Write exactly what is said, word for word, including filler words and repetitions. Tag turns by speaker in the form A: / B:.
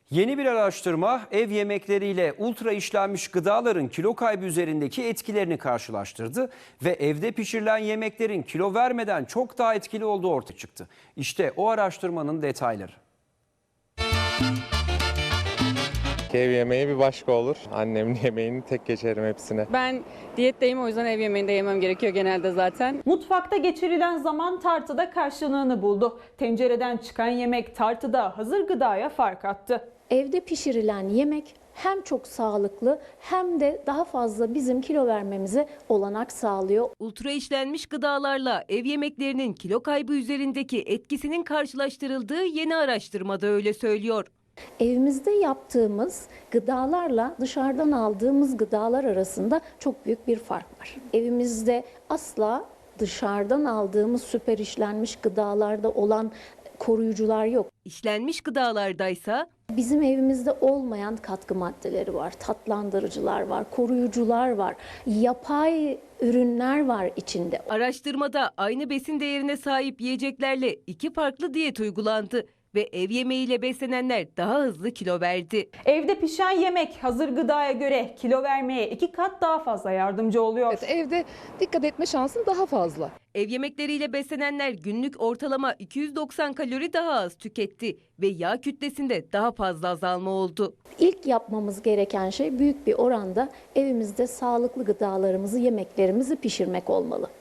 A: Yeni bir araştırma ev yemekleriyle ultra işlenmiş gıdaların kilo kaybı üzerindeki etkilerini karşılaştırdı ve evde pişirilen yemeklerin kilo vermeden çok daha etkili olduğu ortaya çıktı. İşte o araştırmanın detayları.
B: Ev yemeği bir başka olur. Annemin yemeğini tek geçerim hepsine.
C: Ben diyetteyim, o yüzden ev yemeğinde yemem gerekiyor genelde zaten.
D: Mutfakta geçirilen zaman tartıda karşılığını buldu. Tencereden çıkan yemek tartıda hazır gıdaya fark attı.
E: Evde pişirilen yemek hem çok sağlıklı hem de daha fazla bizim kilo vermemize olanak sağlıyor.
F: Ultra işlenmiş gıdalarla ev yemeklerinin kilo kaybı üzerindeki etkisinin karşılaştırıldığı yeni araştırmada öyle söylüyor.
E: Evimizde yaptığımız gıdalarla dışarıdan aldığımız gıdalar arasında çok büyük bir fark var. Evimizde asla dışarıdan aldığımız süper işlenmiş gıdalarda olan koruyucular yok.
F: İşlenmiş gıdalardaysa
E: Bizim evimizde olmayan katkı maddeleri var, tatlandırıcılar var, koruyucular var, yapay ürünler var içinde.
F: araştırmada aynı besin değerine sahip yiyeceklerle iki farklı diyet uygulandı ve ev yemeğiyle beslenenler daha hızlı kilo verdi.
D: Evde pişen yemek hazır gıdaya göre kilo vermeye iki kat daha fazla yardımcı oluyor.
G: Evet, evde dikkat etme şansın daha fazla.
F: Ev yemekleriyle beslenenler günlük ortalama iki yüz doksan kalori daha az tüketti ve yağ kütlesinde daha fazla azalma oldu.
E: İlk yapmamız gereken şey büyük bir oranda evimizde sağlıklı gıdalarımızı, yemeklerimizi pişirmek olmalı.